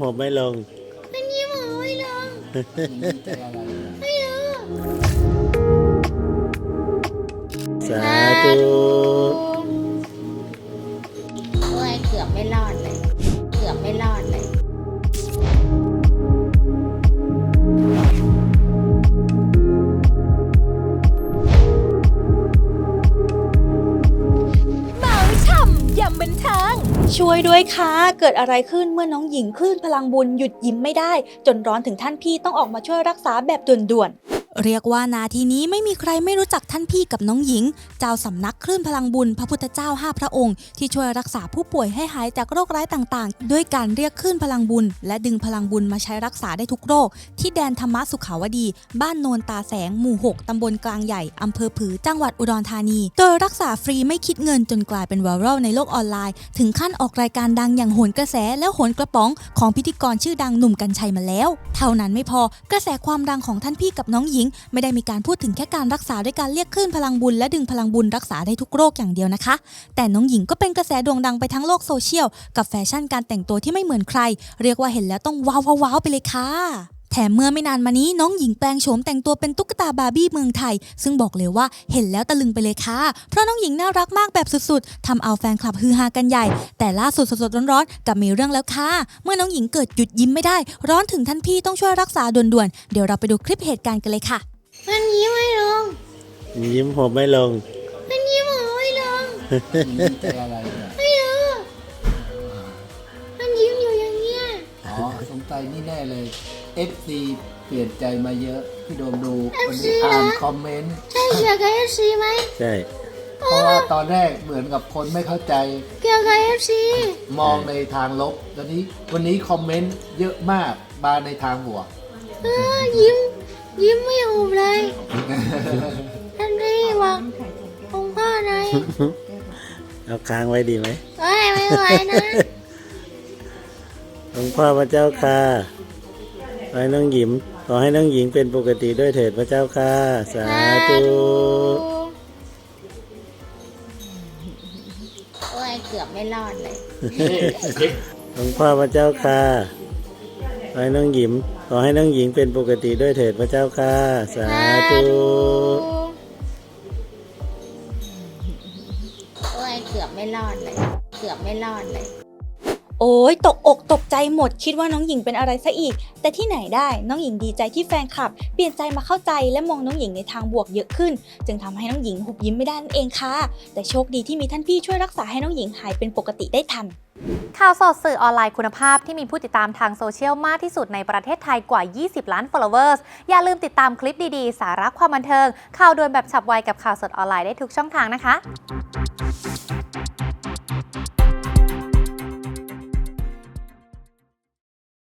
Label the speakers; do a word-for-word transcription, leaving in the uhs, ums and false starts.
Speaker 1: ผมไม่ลง
Speaker 2: มันยิ้มผมไม่ลงไม่รู้
Speaker 1: สาธุ
Speaker 2: โอ้ยเกือบไม่รอดเลยเกือบไม่รอดเลย
Speaker 3: บันเทิงช่วยด้วยค่ะเกิดอะไรขึ้นเมื่อน้องหญิงคลื่นพลังบุญหยุดยิ้มไม่ได้จนร้อนถึงท่านพี่ต้องออกมาช่วยรักษาแบบด่วนๆเรียกว่านาทีนี้ไม่มีใครไม่รู้จักท่านพี่กับน้องหญิงเจ้าสำนักคลื่นพลังบุญพระพุทธเจ้าห้าพระองค์ที่ช่วยรักษาผู้ป่วยให้หายจากโรคร้ายต่างๆด้วยการเรียกคลื่นพลังบุญและดึงพลังบุญมาใช้รักษาได้ทุกโรคที่แดนธรรมสุขาวดีบ้านโนนตาแสงหมู่หกตำบลกลางใหญ่อำเภอผือจังหวัดอุดรธานีโดยรักษาฟรีไม่คิดเงินจนกลายเป็นไวรัลในโลกออนไลน์ถึงขั้นออกรายการดังอย่างโหนกระแสและโหนกระป๋องของพิธีกรชื่อดังหนุ่มกรรชัยมาแล้วเท่านั้นไม่พอกระแสความดังของท่านพี่กับน้องหญิงไม่ได้มีการพูดถึงแค่การรักษาด้วยการเรียกคลื่นพลังบุญและดึงพลังบุญรักษาได้ทุกโรคอย่างเดียวนะคะแต่น้องหญิงก็เป็นกระแสโด่งดังไปทั้งโลกโซเชียลกับแฟชั่นการแต่งตัวที่ไม่เหมือนใครเรียกว่าเห็นแล้วต้องว้าวว้าวไปเลยค่ะแถมเมื่อไม่นานมานี้น้องหญิงแปลงโฉมแต่งตัวเป็นตุ๊กตาบาร์บี้เมืองไทยซึ่งบอกเลยว่าเห็นแล้วตะลึงไปเลยค่ะเพราะน้องหญิงน่ารักมากแบบสุดๆทำเอาแฟนคลับฮือฮากันใหญ่แต่ล่าสุดสดๆร้อนๆกับมีเรื่องแล้วค่ะเมื่อน้องหญิงเกิดหยุดยิ้มไม่ได้ร้อนถึงท่านพี่ต้องช่วยรักษาด่วนๆเดี๋ยวเราไปดูคลิปเหตุการณ์กันเลยค่ะ
Speaker 2: มันยิ้มไม่ลง
Speaker 1: ยิ้มผมไม่ลง
Speaker 2: มันยิ้มผมไม่ลงไม่รู้มันยิ้มอยู่อย่างเงี้ย
Speaker 4: อ๋อสงสัยนี่แน่เลย เอฟ ซี เปลี่ยนใจมาเยอะพี่โดมดูวันนี้อ่านคอมเมนต์
Speaker 2: ใช่เกี่ยวกับ เอฟ ซี ไหม
Speaker 1: ใช่
Speaker 4: เพราะว่าตอนแรกเหมือนกับคนไม่เข้าใจ
Speaker 2: เกี่ยวกับ เอฟ ซี
Speaker 4: มองในทางลบตอนนี้วันนี้คอมเมนต์เยอะมากมาในทางบวก
Speaker 2: เออยิ้มยิ้มไม่หุบเลยท่านพี่บอกองค์พ่อไหน
Speaker 1: เอาค้างไว้ดีไหม
Speaker 2: ไม่ไม่ไหวนะ
Speaker 1: องค์พ่อพระเจ้าค่ะขอให้น้องหญิงขอให้น้องหญิงเป็นปกติด้วยเถิดพระเจ้าค่ะสาธุ
Speaker 2: โอ้ยเกือบไม่รอดเลย
Speaker 1: องค์พ่อพระเจ้าค่ะขอให้น้องหญิงขอให้น้องหญิงเป็นปกติด้วยเถิดพระเจ้าค่ะสาธุ
Speaker 2: โอ้ยเกือบไม่รอดเลยเกือบไม่รอดเลย
Speaker 3: โอ้ยตกอกตกใจหมดคิดว่าน้องหญิงเป็นอะไรซะอีกแต่ที่ไหนได้น้องหญิงดีใจที่แฟนคลับเปลี่ยนใจมาเข้าใจและมองน้องหญิงในทางบวกเยอะขึ้นจึงทำให้น้องหญิงหุบยิ้มไม่ได้นั่นเองค่ะแต่โชคดีที่มีท่านพี่ช่วยรักษาให้น้องหญิงหายเป็นปกติได้ทัน
Speaker 5: ข่าวสดสื่อออนไลน์คุณภาพที่มีผู้ติดตามทางโซเชียลมากที่สุดในประเทศไทยกว่ายี่สิบล้าน followers อย่าลืมติดตามคลิปดีๆสาระความบันเทิงข่าวด่วนแบบฉับไวกับข่าวสดออนไลน์ได้ทุกช่องทางนะคะ